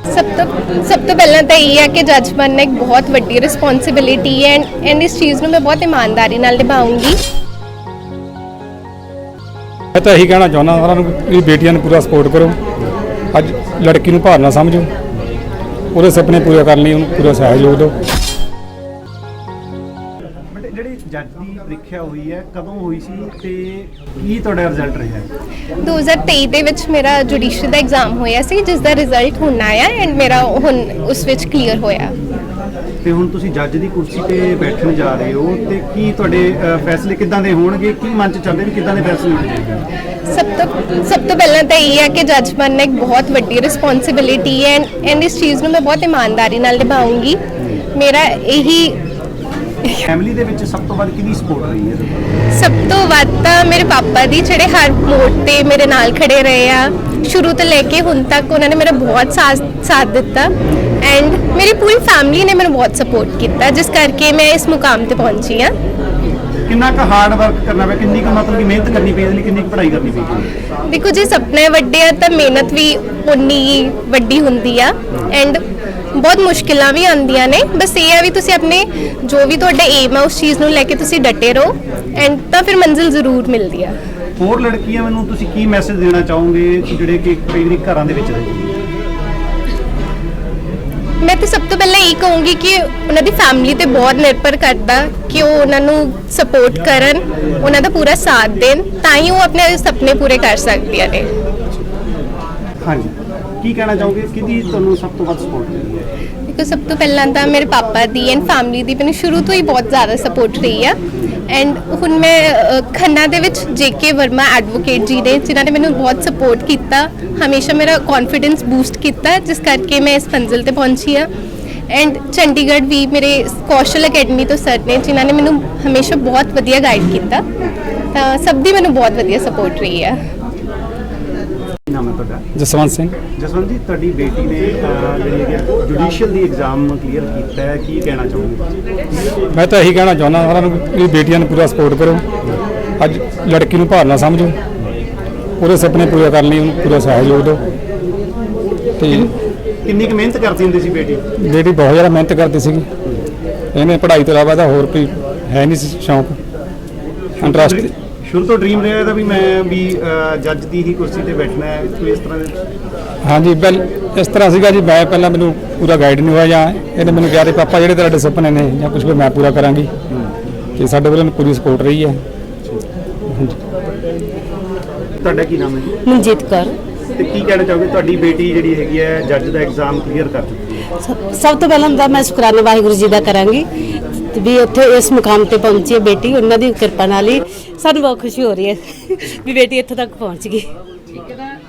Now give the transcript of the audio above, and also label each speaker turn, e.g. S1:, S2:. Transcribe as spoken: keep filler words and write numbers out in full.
S1: सब तो सब तो पहला तो यही है कि जज बनना एक बहुत वड्डी रिस्पॉन्सिबिलिटी है एंड एंड इस चीज़ ਨੂੰ मैं बहुत ईमानदारी नाल निभाऊंगी।
S2: मैं तो यही कहना चाਹੁੰਦਾ ਸਾਰਿਆਂ ਨੂੰ ਵੀ ਬੇਟੀਆਂ ਨੂੰ ਪੂਰਾ ਸਪੋਰਟ ਕਰੋ। ਅੱਜ ਲੜਕੀ ਨੂੰ ਭਾਰ ਨਾ ਸਮਝੋ, ਉਹਦੇ ਸੁਪਨੇ ਪੂਰੇ ਕਰਨ ਲਈ ਉਹਨੂੰ ਪੂਰਾ ਸਹਿਯੋਗ ਦਿਓ।
S3: ਜਿਹੜੀ ਜੱਜ ਦੀ ਪ੍ਰੀਖਿਆ ਹੋਈ ਹੈ ਕਦੋਂ ਹੋਈ ਸੀ ਤੇ ਕੀ ਤੁਹਾਡਾ ਰਿਜ਼ਲਟ ਰਿਹਾ?
S1: दो हज़ार तेईस ਦੇ ਵਿੱਚ ਮੇਰਾ ਜੁਡੀਸ਼ਰੀ ਦਾ ਐਗਜ਼ਾਮ ਹੋਇਆ ਸੀ ਜਿਸ ਦਾ ਰਿਜ਼ਲਟ ਹੁਣ ਆਇਆ ਐਂਡ ਮੇਰਾ ਹੁਣ ਉਸ ਵਿੱਚ ਕਲੀਅਰ ਹੋਇਆ।
S3: ਤੇ ਹੁਣ ਤੁਸੀਂ ਜੱਜ ਦੀ ਕੁਰਸੀ ਤੇ ਬੈਠਣ ਜਾ ਰਹੇ ਹੋ ਤੇ ਕੀ ਤੁਹਾਡੇ ਅ, ਫੈਸਲੇ ਕਿੱਦਾਂ ਦੇ ਹੋਣਗੇ? ਕੀ ਮਨ ਚ ਚੱਲਦੇ ਵੀ ਕਿੱਦਾਂ ਦੇ ਫੈਸਲੇ ਹੋਣਗੇ?
S1: ਸਭ ਤੋਂ ਸਭ ਤੋਂ ਪਹਿਲਾਂ ਤਾਂ ਇਹ ਹੈ ਕਿ ਜੱਜ ਬਣਨਾ ਇੱਕ ਬਹੁਤ ਵੱਡੀ ਰਿਸਪੌਂਸਿਬਿਲਿਟੀ ਹੈ ਐਂਡ ਐਂਡ ਇਸ ਚੀਜ਼ ਨੂੰ ਮੈਂ ਬਹੁਤ ਇਮਾਨਦਾਰੀ ਨਾਲ ਨਿਭਾਉਂਗੀ। ਮੇਰਾ ਇਹੀ
S3: ਫੈਮਿਲੀ ਦੇ ਵਿੱਚ ਸਭ ਤੋਂ ਵੱਧ ਕਿਹਦੀ ਸਪੋਰਟ ਰਹੀ ਹੈ?
S1: ਸਭ ਤੋਂ ਵੱਧ ਤਾਂ ਮੇਰੇ ਪਾਪਾ ਦੀ, ਜਿਹੜੇ ਹਰ ਮੋੜ ਤੇ ਮੇਰੇ ਨਾਲ ਖੜੇ ਰਹੇ ਆ ਸ਼ੁਰੂ ਤੋਂ ਲੈ ਕੇ ਹੁਣ ਤੱਕ। ਉਹਨਾਂ ਨੇ ਮੇਰਾ ਬਹੁਤ ਸਾਥ ਸਾਥ ਦਿੱਤਾ ਐਂਡ ਮੇਰੀ ਪੂਰੀ ਫੈਮਿਲੀ ਨੇ ਮੈਨੂੰ ਬਹੁਤ ਸਪੋਰਟ ਕੀਤਾ ਜਿਸ ਕਰਕੇ ਮੈਂ ਇਸ ਮੁਕਾਮ ਤੇ ਪਹੁੰਚੀ ਹਾਂ।
S3: ਕਿੰਨਾ ਕੁ ਹਾਰਡ ਵਰਕ ਕਰਨਾ ਪਿਆ, ਕਿੰਨੀ ਕੁ ਮਤਲਬ ਕਿ ਮਿਹਨਤ ਕਰਨੀ ਪਈ, ਇਹਦੇ ਲਈ ਕਿੰਨੀ ਕੁ ਪੜ੍ਹਾਈ ਕਰਨੀ ਪਈ?
S1: ਦੇਖੋ ਜੇ ਸੁਪਨੇ ਵੱਡੇ ਆ ਤਾਂ ਮਿਹਨਤ ਵੀ ਉਨੀ ਹੀ ਵੱਡੀ ਹੁੰਦੀ ਆ ਐਂਡ ਬਹੁਤ ਮੁਸ਼ਕਿਲਾਂ ਵੀ ਆਉਂਦੀਆਂ ਨੇ। ਬਸ ਇਹ ਆ ਵੀ ਤੁਸੀਂ ਆਪਣੇ ਜੋ ਵੀ ਤੁਹਾਡਾ ਏਮ ਆ ਉਸ ਚੀਜ਼ ਨੂੰ ਲੈ ਕੇ ਤੁਸੀਂ ਡਟੇ ਰਹੋ ਐਂਡ ਤਾਂ ਫਿਰ ਮੰਜ਼ਿਲ ਜ਼ਰੂਰ ਮਿਲਦੀ ਆ।
S3: ਹੋਰ ਲੜਕੀਆਂ ਨੂੰ ਤੁਸੀਂ ਕੀ ਮੈਸੇਜ ਦੇਣਾ ਚਾਹੋਗੇ ਜਿਹੜੇ ਕਿ ਕਈ ਵਾਰੀ ਘਰਾਂ ਦੇ ਵਿੱਚ ਰਹਿੰਦੇ?
S1: ਮੈਂ ਤਾਂ ਸਭ ਤੋਂ ਪਹਿਲਾਂ ਇਹ ਕਹੂੰਗੀ ਕਿ ਉਹਨਾਂ ਦੀ ਫੈਮਿਲੀ ਤੇ ਬਹੁਤ ਨਿਰਭਰ ਕਰਦਾ ਕਿ ਉਹ ਉਹਨਾਂ ਨੂੰ ਸਪੋਰਟ ਕਰਨ, ਉਹਨਾਂ ਦਾ ਪੂਰਾ ਸਾਥ ਦੇਣ, ਤਾਂ ਹੀ ਉਹ ਆਪਣੇ ਸੁਪਨੇ ਪੂਰੇ ਕਰ ਸਕਦੀਆਂ ਨੇ।
S3: ਹਾਂਜੀ, ਕੀ ਕਹਿਣਾ ਚਾਹੋਗੇ? ਕਿਹਦੀ ਤੁਹਾਨੂੰ ਸਭ ਤੋਂ ਵੱਧ ਸਪੋਰਟ ਮਿਲੀ ਹੈ?
S1: ਦੇਖੋ ਸਭ ਤੋਂ ਪਹਿਲਾਂ ਤਾਂ ਮੇਰੇ ਪਾਪਾ ਦੀ ਐਂਡ ਫੈਮਿਲੀ ਦੀ ਮੈਨੂੰ ਸ਼ੁਰੂ ਤੋਂ ਹੀ ਬਹੁਤ ਜ਼ਿਆਦਾ ਸਪੋਰਟ ਰਹੀ ਆ ਐਂਡ ਹੁਣ ਮੈਂ ਅ, ਖੰਨਾ ਦੇ ਵਿੱਚ ਜੇ ਕੇ ਵਰਮਾ ਐਡਵੋਕੇਟ ਜੀ ਨੇ ਜਿਨ੍ਹਾਂ ਨੇ ਮੈਨੂੰ ਬਹੁਤ ਸਪੋਰਟ ਕੀਤਾ, ਹਮੇਸ਼ਾ ਮੇਰਾ ਕੌਨਫੀਡੈਂਸ ਬੂਸਟ ਕੀਤਾ ਜਿਸ ਕਰਕੇ ਮੈਂ ਇਸ ਮੰਜ਼ਿਲ ਤੇ ਪਹੁੰਚੀ ਆ। ਐਂਡ ਚੰਡੀਗੜ੍ਹ ਵੀ ਮੇਰੇ ਕੌਸ਼ਲ ਅਕੈਡਮੀ ਤੋਂ ਸਰ ਨੇ ਜਿਨ੍ਹਾਂ ਨੇ ਮੈਨੂੰ ਹਮੇਸ਼ਾ ਬਹੁਤ ਵਧੀਆ ਗਾਈਡ ਕੀਤਾ, ਤਾਂ ਸਭ ਦੀ ਮੈਨੂੰ ਬਹੁਤ ਵਧੀਆ ਸਪੋਰਟ ਰਹੀ ਆ।
S3: ਕੀ ਨਾਮ ਹੈ ਤੁਹਾਡਾ?
S2: ਜਸਵੰਤ ਸਿੰਘ।
S3: ਜਸਵੰਤ ਜੀ, ਤੁਹਾਡੀ ਬੇਟੀ ਨੇ ਅ, ਜਿਹੜੀ ਹੈ ਜੁਡੀਸ਼ੀਅਲ ਦੀ ਐਗਜ਼ਾਮ ਕਲੀਅਰ ਕੀਤਾ ਹੈ, ਕੀ ਕਹਿਣਾ ਚਾਹੋਗੇ?
S2: ਮੈਂ ਤਾਂ ਇਹੀ ਕਹਿਣਾ ਚਾਹੁੰਦਾ ਸਾਰਿਆਂ ਨੂੰ ਵੀ ਬੇਟੀਆਂ ਨੂੰ ਪੂਰਾ ਸਪੋਰਟ ਕਰੋ। ਅੱਜ ਲੜਕੀ ਨੂੰ ਭਾਰ ਨਾ ਸਮਝੋ, ਉਹਦੇ ਸੁਪਨੇ ਪੂਰੇ ਕਰਨ ਲਈ ਉਹਨੂੰ ਪੂਰਾ ਸਹਿਯੋਗ ਦਿਓ। ਤੇ
S3: ਕਿੰਨੀ ਕੁ ਮਿਹਨਤ ਕਰਦੀ ਹੁੰਦੀ ਸੀ ਬੇਟੀ?
S2: ਬੇਟੀ ਬਹੁਤ ਜ਼ਿਆਦਾ ਮਿਹਨਤ ਕਰਦੀ ਸੀਗੀ। ਇਹਨੇ ਪੜ੍ਹਾਈ ਤੋਂ ਇਲਾਵਾ ਤਾਂ ਹੋਰ ਕੋਈ ਹੈ ਨਹੀਂ ਸੀ ਸ਼ੌਂਕ, ਇੰਟਰਸਟ।
S3: ਸ਼ੁਰੂ ਤੋਂ ਡ੍ਰੀਮ ਰਿਹਾ ਇਹਦਾ ਵੀ ਮੈਂ ਵੀ ਜੱਜ ਦੀ ਹੀ ਕੁਰਸੀ ਤੇ ਬੈਠਣਾ ਹੈ, ਕੋਈ ਇਸ ਤਰ੍ਹਾਂ ਦੇ?
S2: ਹਾਂਜੀ, ਪਹਿਲ ਇਸ ਤਰ੍ਹਾਂ ਸੀਗਾ ਜੀ। ਮੈਂ ਪਹਿਲਾਂ ਮੈਨੂੰ ਪੂਰਾ ਗਾਈਡ ਨਹੀਂ ਹੋਇਆ, ਜਾਂ ਇਹਨੇ ਮੈਨੂੰ ਕਿਹਾ ਤੇ ਪਾਪਾ ਜਿਹੜੇ ਤੁਹਾਡੇ ਸੁਪਨੇ ਨੇ ਜਾਂ ਕੁਝ ਵੀ ਮੈਂ ਪੂਰਾ ਕਰਾਂਗੀ, ਤੇ ਸਾਡੇ ਵੱਲੋਂ ਪੂਰੀ ਸਪੋਰਟ ਰਹੀ ਹੈ।
S3: ਤੁਹਾਡਾ ਕੀ ਨਾਮ ਹੈ?
S4: ਮਨਜੀਤ ਕੌਰ।
S3: ਤੇ ਕੀ ਕਹਿਣਾ ਚਾਹੋਗੇ? ਤੁਹਾਡੀ ਬੇਟੀ ਜਿਹੜੀ ਹੈਗੀ ਹੈ ਜੱਜ ਦਾ ਐਗਜ਼ਾਮ ਕਲੀਅਰ ਕਰ ਚੁੱਕੀ ਹੈ।
S4: ਸਭ ਸਭ ਤੋਂ ਪਹਿਲਾਂ ਤਾਂ ਮੈਂ ਸ਼ੁਕਰਾਨਾ ਵਾਹਿਗੁਰੂ ਜੀ ਦਾ ਕਰਾਂਗੀ ਤੇ ਵੀ ਉੱਥੇ ਇਸ ਮੁਕਾਮ ਤੇ ਪਹੁੰਚੀ ਹੈ ਬੇਟੀ। ਉਹਨਾਂ ਦੀ ਕਿਰਪਾ ਨਾਲ ਹੀ ਸਾਨੂੰ ਬਹੁਤ ਖੁਸ਼ੀ ਹੋ ਰਹੀ ਹੈ ਵੀ ਬੇਟੀ ਇੱਥੇ ਤੱਕ ਪਹੁੰਚ ਗਈ।